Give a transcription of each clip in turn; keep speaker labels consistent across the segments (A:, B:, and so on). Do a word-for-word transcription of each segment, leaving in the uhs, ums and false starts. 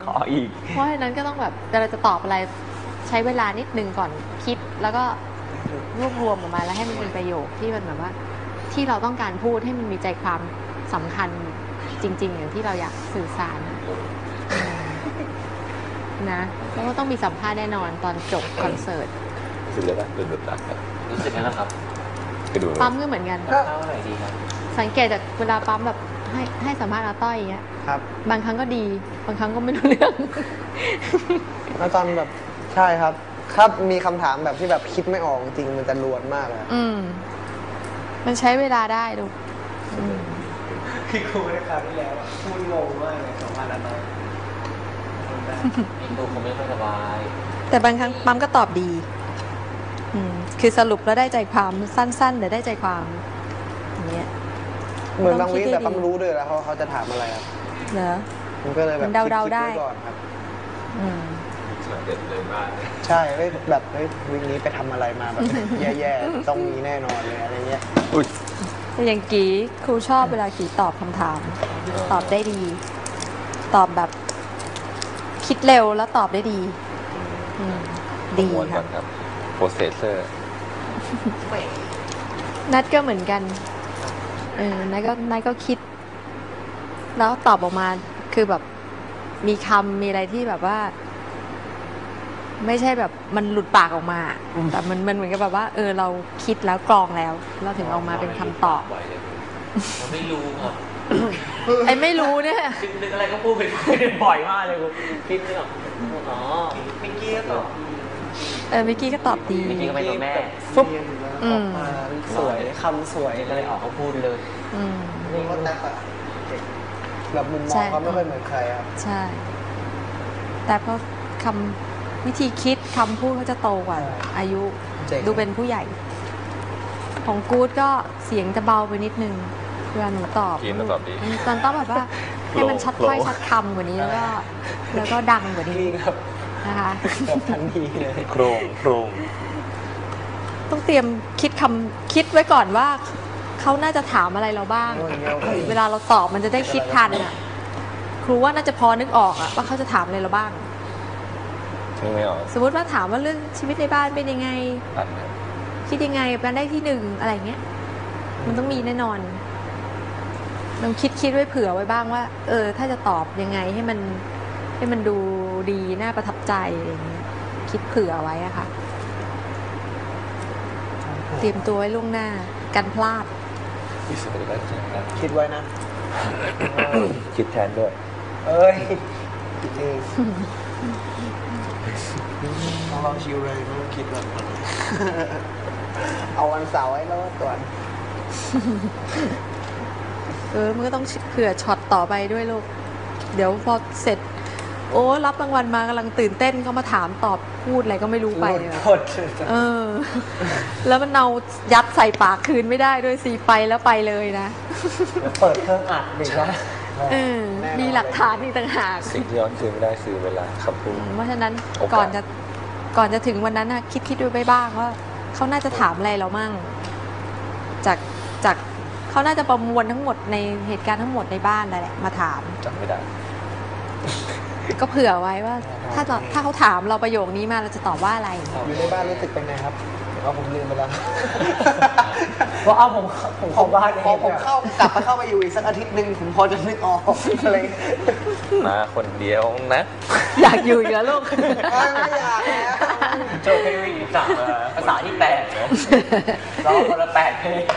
A: ขออีก
B: เพราะฉะนั้นก็ต้องแบบเราจะตอบอะไรใช้เวลานิดนึงก่อนคิดแล้วก็รวบรวมออกมาแล้วให้มันเป็นประโยคที่มันแบบว่าที่เราต้องการพูดให้มันมีใจความสำคัญจริงๆอย่างที่เราอยากสื่อสารนะแล้วก็ต้องมีสัมภาษณ์แน่นอนตอนจบคอนเสิร์ต
C: รู้สึกเลยว่าเป็นแบบนั้นครับ
A: รู้สึกแล้วครับ
B: ปั๊มก็เหมือนกัน
A: เข้าไหนดีครับ
B: สังเกตจากเวลาปั๊มแบบให้ให้สัมภาษณ์อาต้อยอย่างเงี้ย
D: ครับ
B: บางครั้งก็ดีบางครั้งก็ไม่รู้เรื่อง
D: แล้วตอนแบบใช่ครับครับมีคำถามแบบที่แบบคิดไม่ออกจริงมันจะลวนมากเลย
B: อืมมันใช้เวลาได้ดู
D: พี่ครูในคราวที่แล้วพูดงงมากเลยสัมภาษณ์อาต้อย
A: ดูผมไม่ค่อยสบาย
B: แต่บางครั้งปั๊มก็ตอบดีอืมคือสรุปแล้วได้ใจความสั้นๆแต่ได้ใจความอย่างเงี้ย
D: เหมือนบางวิแต่ปั๊มรู้ด้วยแล้วเขาเขาจะถามอะไรครับ
B: เหรอ
D: มันก็เลยแบบ
B: เดาๆได้
D: ก่อนครับ
B: อืม
C: เด็ดเลยมาก
D: ใช่แบบเฮ้ยวิกนี้ไปทำอะไรมาแบบแย่ๆต้องมีแน่นอนเลยอะไรเงี้ย
B: แต่อย่างกี้ครูชอบเวลากี้ตอบคำถามตอบได้ดี ตอบแบบคิดเร็วแล้วตอบได้ดีดี
C: ครับโปรเซสเซอร์
B: นัดก็เหมือนกันเออนัดก็นัดก็คิดแล้วตอบออกมาคือแบบมีคำมีอะไรที่แบบว่าไม่ใช่แบบมันหลุดปากออกมาแต่มันมันเหมือนกับแบบว่าเออเราคิดแล้วกรองแล้วเราถึงออกมาเป็นคำตอบ
A: เราไม่รู้ครับ
B: ไอ้ไม่รู้เนี่ย
A: นึกอะไรก็พูดไปบ่อยมากเลยกูคิดไม่ออกอ๋อมิกกี้ก็ตอบ
B: เออมิกกี้ก็ตอบดี
A: มิกกี้ก็เป็นตัวแม่
D: ฟุ๊บออกมาสวยคำสวย
A: ก็เลยออกเขาพูดเลย
B: อืม
D: นี่ก็แต่แบบมุมมองเขาไม่ค่อยเหมือนใครครับ
B: ใช่แต่เพราะคำวิธีคิดคำพูดเขาจะโตกว่าอายุดูเป็นผู้ใหญ่ของกู๊ดก็เสียงจะเบาไปนิดนึงเวลาหนูตอบตอนต้องแบบว่าให้มันชัดถ้อยชัดคำกว่านี้แล้วก็แล้วก็ดังกว่านี้นะคะ
D: แบบทันทีเลย
C: โครงโครง
B: ต้องเตรียมคิดคำคิดไว้ก่อนว่าเขาน่าจะถามอะไรเราบ้างเวลาเราตอบมันจะได้คิดทันอ่ะครูว่าน่าจะพอนึกออกอ่ะว่าเขาจะถามอะไรเราบ้าง
C: ไม่ออก
B: สมมติว่าถามว่าเรื่องชีวิตในบ้านเป็นยังไงคิดยังไงการได้ที่หนึ่งอะไรเงี้ยมันต้องมีแน่นอนลองคิดคิดไว้เผื่อไว้บ้างว่าเออถ้าจะตอบยังไงให้มันให้มันดูดีน่าประทับใจอะไรเงี้ยคิดเผื่อไว้อะค่ะเตรียมตัวไว้ล่วงหน้ากันพลาด
D: คิดไว้นะ
C: คิดแทนด้วย
D: เอ้ยคิดเองต้องลองชิวเลยไม่ต้องคิดแบบเอาวันเสาร์ไว้แล้วก่อน
B: เออมันก็ต้องเผื่อช็อตต่อไปด้วยลูกเดี๋ยวพอเสร็จโอ้รับรางวัลมากำลังตื่นเต้นเขามาถามตอบพูดอะไรก็ไม่รู้ไปเออแล้วมันเอายัดใส่ปากคืนไม่ได้ด้วยสิไปแล้วไปเลยนะ
D: เปิดเครื่องอัดหนึ่งนะ
B: เออมีหลักฐานอีกต่างหาก
C: สิ่งที่ย้อนคืนไม่ได้คือเวลาคำพูด
B: เพราะฉะนั้นก่อนจะก่อนจะถึงวันนั้นนะคิดคิดดูไปบ้างว่าเขาน่าจะถามอะไรเรามั่งจากจากเขาน่าจะประมวลทั้งหมดในเหตุการณ์ทั้งหมดในบ้านนั่นแหละมาถาม
C: จำไม่ได้
B: ก็เผื่อไว้ว่าถ้าถ้าเขาถามเราประโยคนี้มาเราจะตอบว่าอะไร
D: อยู่ในบ้านรู้สึกเป็นไงครับเอาผมลืมไปแล้ว
A: เพราะเอาผมผมเข้าบ้าน
D: พอผมเข้ากลับมาเข้ามาอยู่อีกสักอาทิตย์หนึ่งผมพอจะนึกออกอะไร
C: มาคนเดียวนะ
B: อยากอยู่อีกแล้วลูก
D: ไม่อยากแล้ว
A: โจเพลงสามภาษาที่แปดร้องคนละแปดเพลง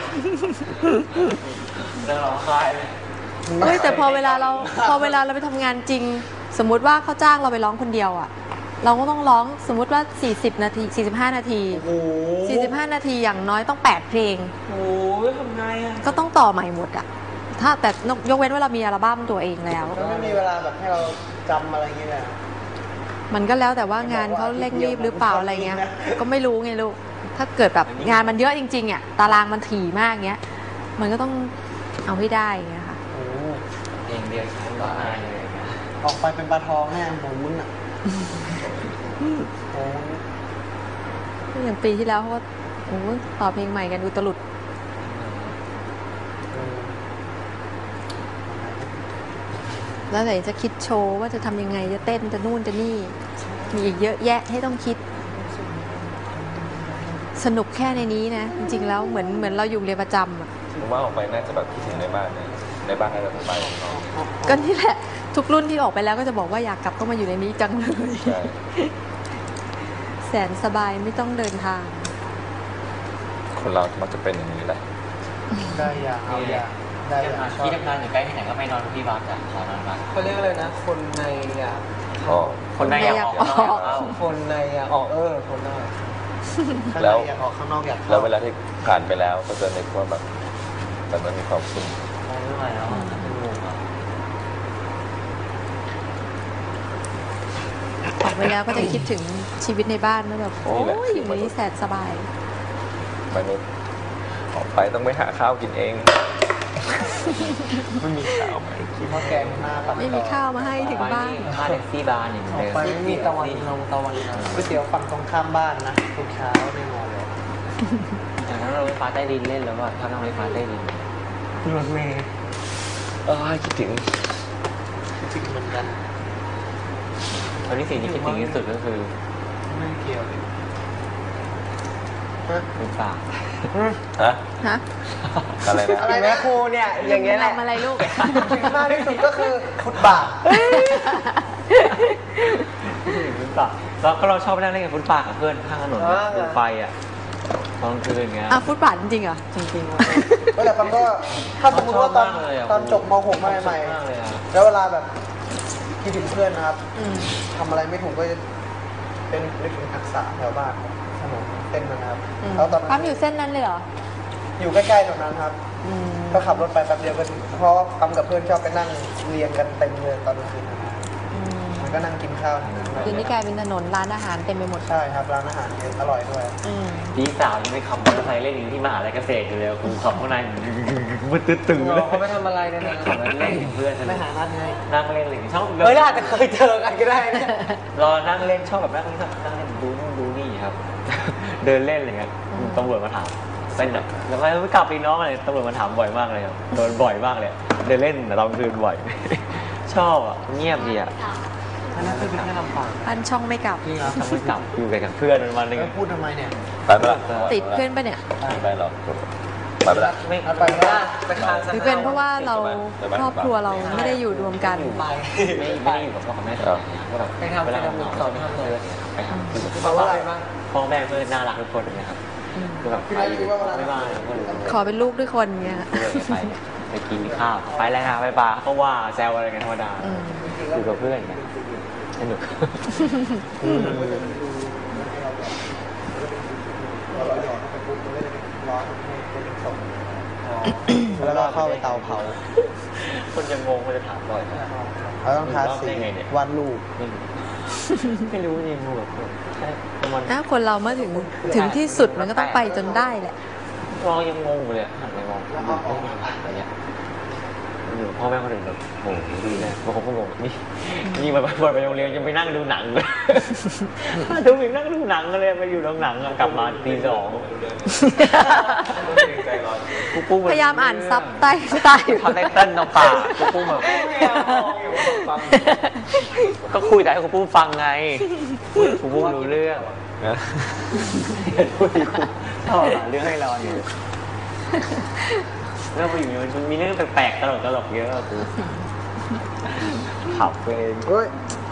A: เรื่องร้องไห้
B: เฮ้ยแต่พอเวลาเราพอเวลาเราไปทำงานจริงสมมุติว่าเขาจ้างเราไปร้องคนเดียวอ่ะเราก็ต้องร้องสมมุติว่าสี่สิบนาทีสี่สิบห้านาทีสี่สิบห้านาทีอย่างน้อยต้องแปดเพลง
A: โอ้ยทำไงอ่ะ
B: ก็ต้องต่อใหม่หมดอ่ะถ้าแต่ยกเว้นว่าเรามีอัลบั้มตัวเองแล้ว
D: ไม่มีเวลาแบบให้เราจำอะไรอย่างเงี้ย
B: มันก็แล้วแต่ว่างานเขาเร่งรีบหรือเปล่าอะไรเงี้ยก็ไม่รู้ไงลูกถ้าเกิดแบบงานมันเยอะจริงๆอ่ะตารางมันถี่มากเงี้ยมันก็ต้องเอาให้ได้เงี้ยค่ะ
A: เองเดียวฉันก็อายเลย
D: ออกไปเป็นปลาทองแน่หมูนอ่ะโอ้
B: อย่างปีที่แล้วเขาก็โอ้ต่อเพลงใหม่กันอุตลุดแล้วไหนจะคิดโชว์ว่าจะทำยังไงจะเต้นจะนู่นจะนี่ มีอีกเยอะแยะให้ต้องคิด สนุกแค่ในนี้นะ จริงๆแล้วเหมือนเหมือนเราอยู่เรียนประจำอะ
C: ผมว่าออกไปน่าจะแบบคิดถึงในบ้านเนี่ยในบ้านน่าจะสบายของเรา
B: ก็นี่แหละ ทุกรุ่นที่ออกไปแล้วก็จะบอกว่าอยากกลับต้องมาอยู่ในนี้จังเลย
C: ใช่
B: แสนสบายไม่ต้องเดินทาง
C: คนเรามักจะเป็นอย่างนี้แหละ
D: ได้อย่างเอาอย่างได้อย่างชอบ
A: ที่ทำงานอยู่ใกล้ที่ไหนก็ไปนอนที่บ้านจ้ะขอนอนบ้าน
D: เขาเรียกอะไรนะ คนในอยาก
C: อ๋อ
A: คนในอยากออก
B: คนในอยากออก
A: เอา
D: คนในอยากออกเออคนนอกข้าง
C: แล้
D: ใน
C: ว
D: อยากออกข้างนอกอยากเข้า
C: แล้วเวลาที่ผ่านไปแล้วก็จะนึกว่าแบบแต่มันมีความสุข
A: ไม่ไหวแล้วอะเป็นงงอะ
B: ออกไปแล้วก็จะคิดถึงชีวิตในบ้านว่าแบบโอ้ยอยู่ในนี้แสนสบาย
C: มนุษย์ออกไปต้องไปหาข้าวกินเองไม่มีข้าวไหม
D: คิดว่าแกงหน้าปัด
B: ไม่มีข้าวมาให้ถึงบ้าน
A: ค่าแท็กซี่บาร์เนี่ย
D: ออกไปไม่มีตะวันลงตะวันนาก๋วยเตี๋ยวฝั่งตรงข้ามบ้านนะทุกเช้าแน่นอนเลย
A: อย่างนั้นเราไฟฟ้าใต้ดินเล่นแล้วว่าถ้านั่งไฟฟ้าใต้ดิน
D: รถเมย์
C: เออคิดถึง
D: จริงเหมือนกัน
A: ตอนนี้สิ่งที่คิดถึงที่สุดก็คือ
D: ไม่เกี่ยวเลยฮะ
A: เป็นปาก
C: ฮะ
B: ฮะ
C: อะไรนะ
D: อะไรนะครูเนี่ยอย่างเงี้ยแหละ
B: ทำอะไรลูก
D: จริงมากที่สุดก็คือฟุตบาท
A: ฟุตปากแล้วก็เราชอบนั่งเล่นกับฟุตปากกับเพื่อนข้างถนนดูไฟอ่ะตอนคืนเงี้ย
B: อ่ะฟุตบาทจริงๆเหรอ
A: จริงๆ
D: ก็แต่ฟังก็ถ้าสมมติว่าตอน
A: ชอบมากเลยอะ
D: ตอนจบม .หก ใหม่
A: ชอบมากเลยอะ
D: ๆแล้วเวลาแบบคิดถึงเพื่อนนะครับ
B: อืม
D: ทำอะไรไม่ถูกก็จะเป็นนึกถึงทักษะแถวบ้านครับถนนเส้นนั้นนะครับ
B: อืม
D: แล้วตอน
B: ปั๊
D: นั้
B: ม
D: น
B: อยู่เส้นนั้นเลยเหรอ
D: อยู่ใกล้ๆตรงนั้นครับ
B: อืม
D: ก็ขับรถไปแป๊บเดียวก็ถึงเพราะว่าปั๊มกับเพื่อนชอบไปนั่งเรียงกันเต็มเลยตอนกลางคืนนะครับ
B: อืม
D: มันก็นั่งกินข้าวแถวนั้น
B: เดี๋ยวนี้กลายเป็นถนนร้านอาหารเต็มไปหมด
D: ใช่ครับร้านอาหารเยอะอร่อยด้วย
B: อืม
A: พี่สาวยังไม่ขับมอเตอร์ไซค์เล่นอยู่ที่มหาลัยเกษตรอยู่เลยครูขับข้างในมืดตื้อๆเลย
D: เขาไม่ทำอะไรนะนะ
A: ขับมาเล่นกับเพื่อน
D: ไม่หานัดไง
A: นั่งเล่นเลยชอบ
D: เฮ้ยเราอาจจะเคยเจอกันก็ได้นะ
A: รอนั่งเล่นชอบแบบนั่งเล่นนั่งเล่นดูนู่นดูนี่ครับ เดินเล่นอะไรเงี้ยตำรวจมาถามเป็นแบบแล้วไม่กลับไปน้องอะไรตำรวจมาถามบ่อยมากเลยครับโดนบ่อยมากเลยเดินเล่นแต่ตอนคืนบ่อย ชอบอ่ะเงียบดีอ่ะ
D: อันนั้นคือเป็นแค่ลำปาง
B: บ้านช่องไม่กลับ
A: จริงเหรอทำไมกลับอยู่กับเพื่อนวันหนึง
D: แล้วพูดทำไมเนี่ย
C: ไปไหมล่ะ
B: ติดเพื่อนปะเนี่ย
C: ไม่ไปหรอกไปไหมล่ะ
A: ไม่
D: เอาไปว่าไปทาน
B: หรือเป็นเพราะว่าเราครอบครัวเราไม่ได้อยู่รวมกัน
D: ไป
A: ไม่ไม่ได้อยู่กับพ่อกับแม่ตลอดก็แบบ
D: ไปทำ
A: เวลา
D: ไปทำ
A: เรา
D: สอน
A: ไป
D: ทำ
A: ทำ
D: เลย
A: เลยไปทำ
D: แปลว่าอะไรบ้าง
A: พ่อแม่เพื่อนน่ารักทุกคนนะครับ
B: อืม
A: คือแบบไปอยู่ไม่บ้านก็รู้
B: ขอเป็นลูกด้วยคนเงี้ย
A: ไปไปกินข้าวไปแล้วนะไปปลาเขาว่าแซวอะไรกันธรรมดา
B: อืม
A: อยู่กับเพื่อนกันสนุก
D: แล้วก็เข้าไปเตาเผา
A: คนจะงงคนจะถามบ่อยนะ
D: เราต้องทาสีวาดรูป
A: ไม่รู้ไม่รู้จริงๆแบบแค่มัน
B: ถ้าคนเราเมื่อถึงถึงที่สุดมันก็ต้องไปจนได้แหละ
A: มองยังงงอยู่เลยหันไปมองอะไรเงี้ยอยู่พ่อแม่คนอื่นแบบโอ้โหดีเลยบางคนก็งงนี่นี่มาไปโรงเรียนยังไปนั่งดูหนังเลยดูอีกนั่งดูหนังเลยไปอยู่โรงหนังกลับมาตีสองกูปุ้ม
B: พยายามอ่านซับใต้ใต้
A: ทำได้เต้นน้ำปากกูปุ้มแบบก็คุยแต่ให้กูปุ้มฟังไงกูปุ้มรู้เรื่อง
C: นะ
A: พูดดีกูชอบหาเรื่องให้รออยู่เรื่องไปอยู่มันมีเรื่องแปลกๆตลกตลกๆเยอะอะกูขับเอง
D: เฮ้ย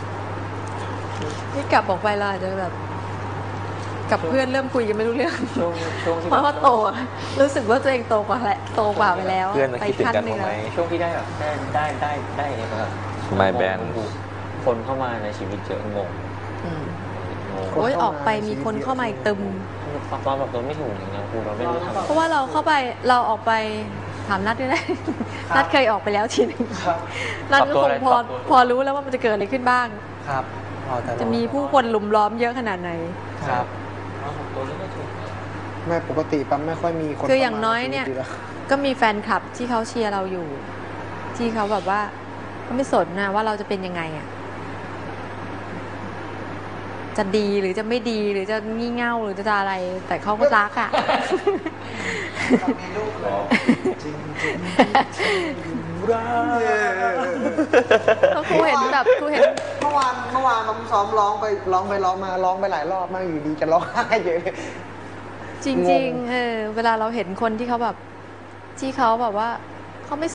B: ที่กลับออกไปเราอาจจะแบบ กับเพื่อนเริ่มคุยกันไม่รู้เรื่อง
A: ช่วงช่วงที่
B: เพราะว่าโตอะรู้สึกว่าตัวเองโตกว่าแหละโตกว่าไปแล้ว
C: เพื่อนมา
B: ไป
C: คิดถึง
B: ขั้น
C: กัน
B: หนึ่
C: บ้าง งไหม
B: แล้ว
A: ช่วงที่ได้แบบได้ได้ได้ได้เนี่ยแบบ
C: My band
A: คนเข้ามาในชีวิตเยอะงง
B: อืม
A: งง
B: โอ้ยออกไปมีคนเข้ามาอีกตึม
A: ตอนแบบตัวไม่ถูกอย่างเงี้ยกูเราไม่รู้ทำ
B: เพราะว่าเราเข้าไปเราออกไปถามนัดด้วยนะนัดเคยออกไปแล้วทีนึง
D: ครับ
B: นัดก็คงพอพอรู้แล้วว่ามันจะเกิดอะไรขึ้นบ้าง
D: ครับพอแต่
B: จะมีผู้คนลุมล้อมเยอะขนาดไหน
D: ครับ
A: ตัวไม่ถูก
D: ไม่ปกติปั๊มไม่ค่อยมีคน
B: คืออย่างน้อยเนี่ย
D: ข้มใชีวิตแล้ว
B: ก็มีแฟนคลับที่เขาเชียร์เราอยู่ ที่เขาแบบว่าเขาไม่สนนะว่าเราจะเป็นยังไงอ่ะจะดีหรือจะไม่ดีหรือจะงี่เง่าหรือจะอะไร แต่เขาก็รักอ่ะ
D: มีลูกเลยจริงจริง
B: ก็ครูเห็นแบบครูเห็น
D: เมื่อวานเมื่อวานน้องซ้อมร้องไปร้องไปร้องมาร้องไปหลายรอบมากอยู่ดีจะร้องไห้เยอะเลย
B: จริงๆเออเวลาเราเห็นคนที่เขาแบบที่เขาแบบว่าเขาไม่